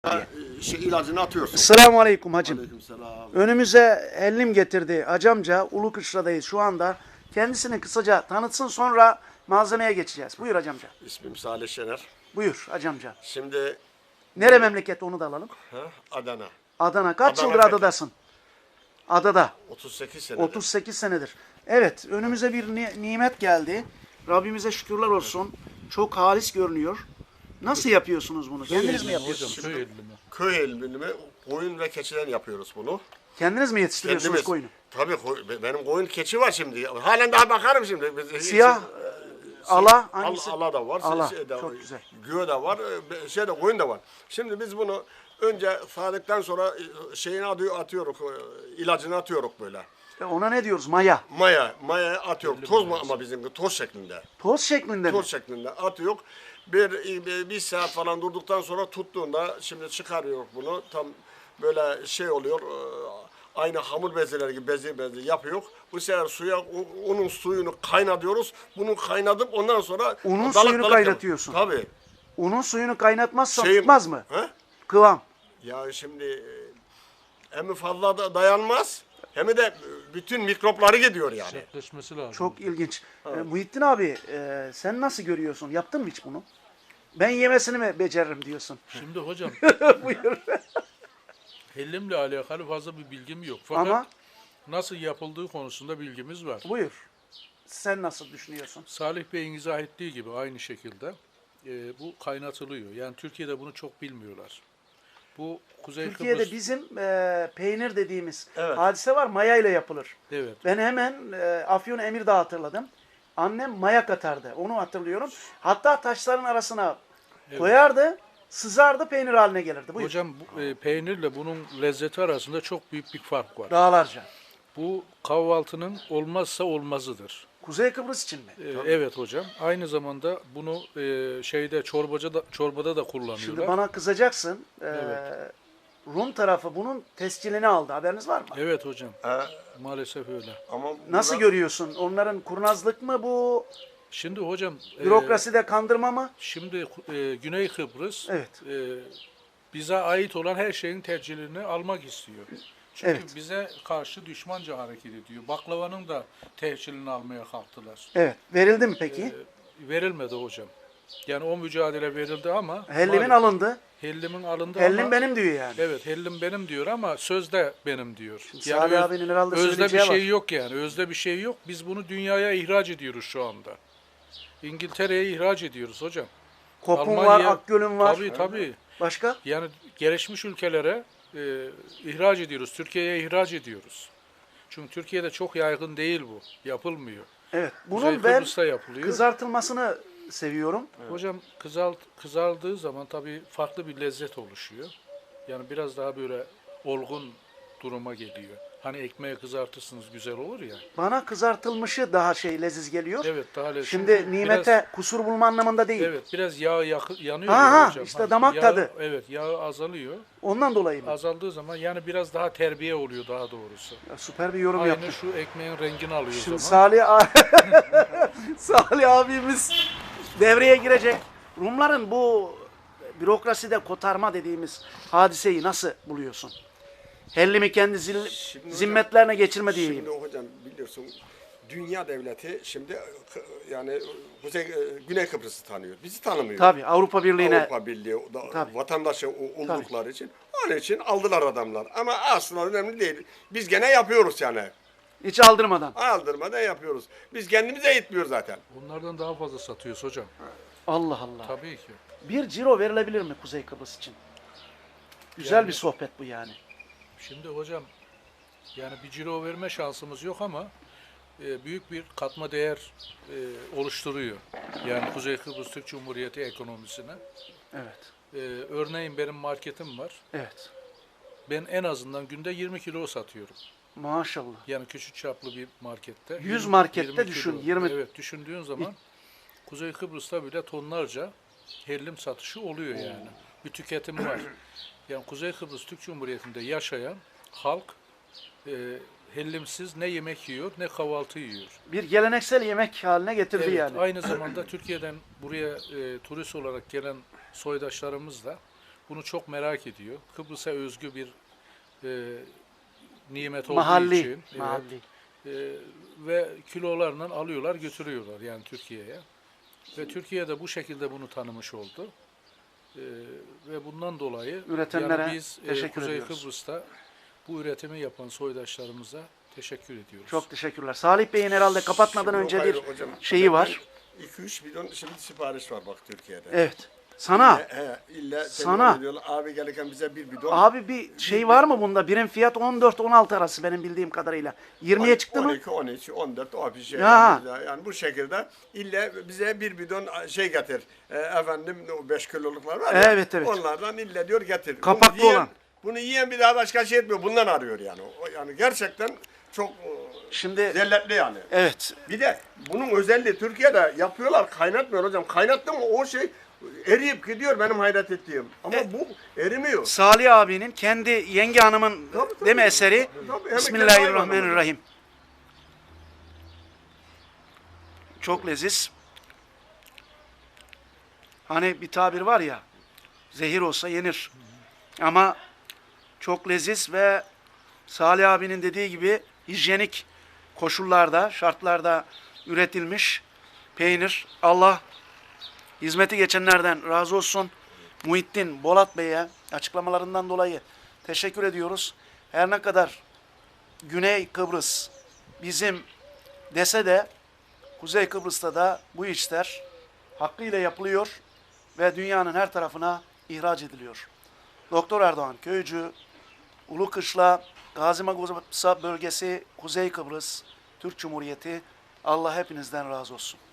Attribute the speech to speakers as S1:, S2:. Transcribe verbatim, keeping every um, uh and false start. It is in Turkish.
S1: diye.
S2: Şey, ilacını atıyorsun.
S1: Selamun aleyküm hacım.
S2: Aleykümselam.
S1: Önümüze ellim getirdi hacamca. Ulukışla'dayız şu anda. Kendisini kısaca tanıtsın, sonra malzemeye geçeceğiz. Buyur hacamca.
S2: İsmim Salih Şener.
S1: Buyur hacamca.
S2: Şimdi
S1: Nere memleket onu da alalım.
S2: ha, Adana.
S1: Adana. Kaç
S2: Adana
S1: yıldır
S2: Fethi.
S1: adadasın? Adada.
S2: otuz sekiz senedir.
S1: otuz sekiz senedir. Evet, önümüze bir ni- nimet geldi. Rabbimize şükürler olsun. Çok halis görünüyor. Nasıl yapıyorsunuz bunu? Kendiniz mi yapıyorsunuz?
S2: Şimdi köy elbini koyun ve keçiden yapıyoruz bunu.
S1: Kendiniz mi yetiştiriyorsunuz
S2: Kendimiz.
S1: koyunu?
S2: Tabii koy- benim koyun keçi var şimdi. Halen daha bakarım şimdi. Biz-
S1: Siyah,
S2: şey-
S1: ala
S2: Al-
S1: hangisi?
S2: ala da var.
S1: Ala,
S2: Şey de,
S1: çok güzel.
S2: Güve de var. e, Şey de koyun da var. Şimdi biz bunu önce sağdıktan sonra e, şeyini atıyor, atıyoruz. e, ilacını atıyoruz böyle.
S1: E, Ona ne diyoruz? Maya.
S2: Maya, maya atıyoruz. Toz mu ama bizim toz şeklinde.
S1: Toz şeklinde mi?
S2: Toz şeklinde atıyor. Bir, bir, bir saat falan durduktan sonra tuttuğunda şimdi çıkarıyor bunu. Tam böyle şey oluyor. e, Aynı hamur bezeleri gibi bezi bezi yapıyor. Bu sefer suya u- unun suyunu kaynatıyoruz. Bunu kaynatıp ondan sonra
S1: Unun
S2: dalık
S1: suyunu
S2: dalık
S1: kaynatıyorsun.
S2: yap- Tabii.
S1: Unun suyunu kaynatmazsan
S2: Şeyin-
S1: tutmaz mı?
S2: He?
S1: Kıvam.
S2: Ya şimdi e, hem fazla da dayanmaz hem de bütün mikropları gidiyor yani.
S3: Sertleşmesi lazım.
S1: Çok ilginç. E, Muhittin abi, e, sen nasıl görüyorsun? Yaptın mı hiç bunu? Ben yemesini mi beceririm diyorsun?
S3: Şimdi hocam
S1: Buyur.
S3: hellimle alakalı fazla bir bilgim yok. Fakat
S1: Ama
S3: nasıl yapıldığı konusunda bilgimiz var.
S1: buyur. Sen nasıl düşünüyorsun?
S3: Salih Bey'in izah ettiği gibi aynı şekilde e, bu kaynatılıyor. Yani Türkiye'de bunu çok bilmiyorlar. Bu Kuzey
S1: Türkiye'de
S3: Kıbrıs...
S1: bizim e, peynir dediğimiz
S2: Evet.
S1: hadise var. Maya ile yapılır.
S3: Evet.
S1: Ben hemen e, Afyon Emirdağ hatırladım. Annem maya katardı. Onu hatırlıyorum. Hatta taşların arasına koyardı, sızardı, peynir haline gelirdi. Buyur.
S3: Hocam bu, e, peynirle bunun lezzeti arasında çok büyük bir fark var.
S1: Dağlarca.
S3: Bu kahvaltının olmazsa olmazıdır.
S1: Kuzey Kıbrıs için mi?
S3: E, evet hocam. Aynı zamanda bunu e, şeyde çorbacı da, çorbada da kullanıyorlar.
S1: Şimdi bana kızacaksın. E,
S3: Evet.
S1: Rum tarafı bunun tescilini aldı. Haberiniz var mı?
S3: Evet hocam.
S2: He,
S3: Maalesef öyle.
S2: ama
S1: Nasıl
S2: burada-
S1: görüyorsun? Onların kurnazlık mı bu?
S3: Şimdi hocam e,
S1: Bürokraside kandırma mı?
S3: şimdi e, Güney Kıbrıs
S1: Evet.
S3: e, bize ait olan her şeyin tercihlerini almak istiyor. Çünkü
S1: Evet.
S3: bize karşı düşmanca hareket ediyor. Baklavanın da tehcilini almaya kalktılar.
S1: Evet. Verildi mi peki?
S3: E, verilmedi hocam. Yani o mücadele verildi ama
S1: Hellimin
S3: maalesef-
S1: alındı.
S3: Hellim'in alındı
S1: Hellim
S3: ama
S1: benim diyor yani.
S3: evet Hellim benim diyor ama sözde benim diyor.
S1: Salih
S3: öz-
S1: abinin herhalde
S3: özde bir
S1: söyleyeceği
S3: şey
S1: var.
S3: yok yani. Özde bir şey yok. Biz bunu dünyaya ihraç ediyoruz şu anda. İngiltere'ye ihraç ediyoruz hocam.
S1: Kopun var,
S3: Almanya-
S1: Akgöl'ün var.
S3: Tabii tabii.
S1: Başka?
S3: Yani gelişmiş ülkelere e, ihraç ediyoruz. Türkiye'ye ihraç ediyoruz. Çünkü Türkiye'de çok yaygın değil bu. Yapılmıyor.
S1: Evet.
S3: Kuzey
S1: Bunun ben
S3: Kıbrıs'ta yapılıyor.
S1: kızartılmasını seviyorum.
S3: Hocam kızalt, kızardığı zaman tabii farklı bir lezzet oluşuyor. Yani biraz daha böyle olgun duruma geliyor. Hani ekmeği kızartırsınız güzel olur ya.
S1: Bana kızartılmışı daha şey leziz geliyor.
S3: Evet daha lezzetli.
S1: Şimdi
S3: Çünkü
S1: nimete
S3: biraz-
S1: kusur bulma anlamında değil.
S3: evet biraz yağ yakı, yanıyor
S1: Ha,
S3: ya
S1: ha,
S3: hocam.
S1: işte
S3: Hani
S1: damak
S3: yağ-
S1: tadı.
S3: Evet yağı azalıyor.
S1: Ondan dolayı mı?
S3: Azaldığı zaman yani biraz daha terbiye oluyor daha doğrusu.
S1: Ya, süper bir yorum
S3: Aynı
S1: yaptın.
S3: şu ekmeğin rengini alıyor o
S1: Şimdi
S3: zaman.
S1: Salih, a- Salih abimiz devreye girecek. Rumların bu bürokraside kotarma dediğimiz hadiseyi nasıl buluyorsun? Hellimi kendi zil-
S2: Şimdi hocam-
S1: zimmetlerine geçirme diyeyim.
S2: Şimdi hocam biliyorsun dünya devleti şimdi e, yani Kuzey, e, Güney Kıbrıs'ı tanıyor. Bizi tanımıyor.
S1: Tabii Avrupa Birliği'ne
S2: Avrupa Birliği da,
S1: Tabii.
S2: vatandaşı o- oldukları için onun için aldılar adamlar. Ama aslında önemli değil. Biz gene yapıyoruz yani.
S1: hiç aldırmadan.
S2: Aldırmadan yapıyoruz. Biz kendimize yetmiyor zaten.
S3: Bunlardan daha fazla satıyoruz hocam.
S1: Allah Allah.
S3: Tabii ki.
S1: Bir ciro verilebilir mi Kuzey Kıbrıs için? Güzel
S3: Yani-
S1: bir sohbet bu yani.
S3: Şimdi hocam yani bir ciro verme şansımız yok ama e, büyük bir katma değer e, oluşturuyor. Yani Kuzey Kıbrıs Türk Cumhuriyeti ekonomisine.
S1: Evet.
S3: E, örneğin benim marketim var.
S1: Evet.
S3: Ben en azından günde yirmi kilo satıyorum.
S1: Maşallah.
S3: Yani küçük çaplı bir markette.
S1: yüz
S3: yirmi
S1: markette
S3: yirmi
S1: düşün,
S3: kilo.
S1: yirmi
S3: Evet düşündüğün zaman Kuzey Kıbrıs'ta bile tonlarca hellim satışı oluyor yani. Bir tüketim var. Yani Kuzey Kıbrıs Türk Cumhuriyeti'nde yaşayan halk e, hellimsiz ne yemek yiyor ne kahvaltı yiyor.
S1: Bir geleneksel yemek haline getirdi
S3: Evet,
S1: yani.
S3: aynı zamanda Türkiye'den buraya e, turist olarak gelen soydaşlarımız da bunu çok merak ediyor. Kıbrıs'a özgü bir e, nimet olduğu
S1: Mahalli.
S3: için. evet,
S1: Mahalli.
S3: e, ve kilolarla alıyorlar, götürüyorlar yani Türkiye'ye. Ve Türkiye de bu şekilde bunu tanımış oldu. E, ve bundan dolayı
S1: Üretenlere
S3: yani biz e,
S1: teşekkür
S3: Kuzey
S1: ediyoruz.
S3: Kıbrıs'ta bu üretimi yapan soydaşlarımıza teşekkür ediyoruz.
S1: Çok teşekkürler. Salih Bey'in herhalde kapatmadan
S2: Şimdi
S1: önce
S2: yok,
S1: bir
S2: hayır hocam.
S1: şeyi var.
S2: iki üç bidon şimdi sipariş var bak Türkiye'de.
S1: Evet. Sana.
S2: He, he, illa
S1: Sana.
S2: telefon ediyorlar. Abi gelirken bize bir bidon.
S1: Abi bir şey var mı bunda? Birim fiyat on dört on altı arası benim bildiğim kadarıyla. yirmiye çıktı mı?
S2: on iki, on üç, on dört o bir şey.
S1: Ya.
S2: Yani, yani bu şekilde illa bize bir bidon şey getir. E, efendim o beş kiloluklar var ya.
S1: Evet, evet.
S2: Onlardan illa diyor getir.
S1: Kapaklı
S2: bunu yiyen,
S1: olan.
S2: Bunu yiyen bir daha başka şey etmiyor. Bundan arıyor yani. O, yani gerçekten çok e,
S1: Şimdi
S2: zelletli yani.
S1: evet.
S2: Bir de bunun özelliği Türkiye'de yapıyorlar, kaynatmıyor hocam. Kaynattı mı o şey eriyip gidiyor benim hayret ettiğim. Ama
S1: E-
S2: bu erimiyor.
S1: Salih abinin kendi yenge hanımın
S2: Tabii, tabii.
S1: değil mi eseri?
S2: Tabii, tabii. Hem
S1: Bismillahirrahmanirrahim. Çok leziz. Hani bir tabir var ya, zehir olsa yenir. Ama çok leziz ve Salih abinin dediği gibi hijyenik koşullarda, şartlarda üretilmiş peynir. Allah hizmeti geçenlerden razı olsun. Muhittin Bolat Bey'e açıklamalarından dolayı teşekkür ediyoruz. Her ne kadar Güney Kıbrıs bizim dese de Kuzey Kıbrıs'ta da bu işler hakkıyla yapılıyor ve dünyanın her tarafına ihraç ediliyor. Doktor Erdoğan Köycü, Ulukışla, Gazi Magusa bölgesi, Kuzey Kıbrıs, Türk Cumhuriyeti, Allah hepinizden razı olsun.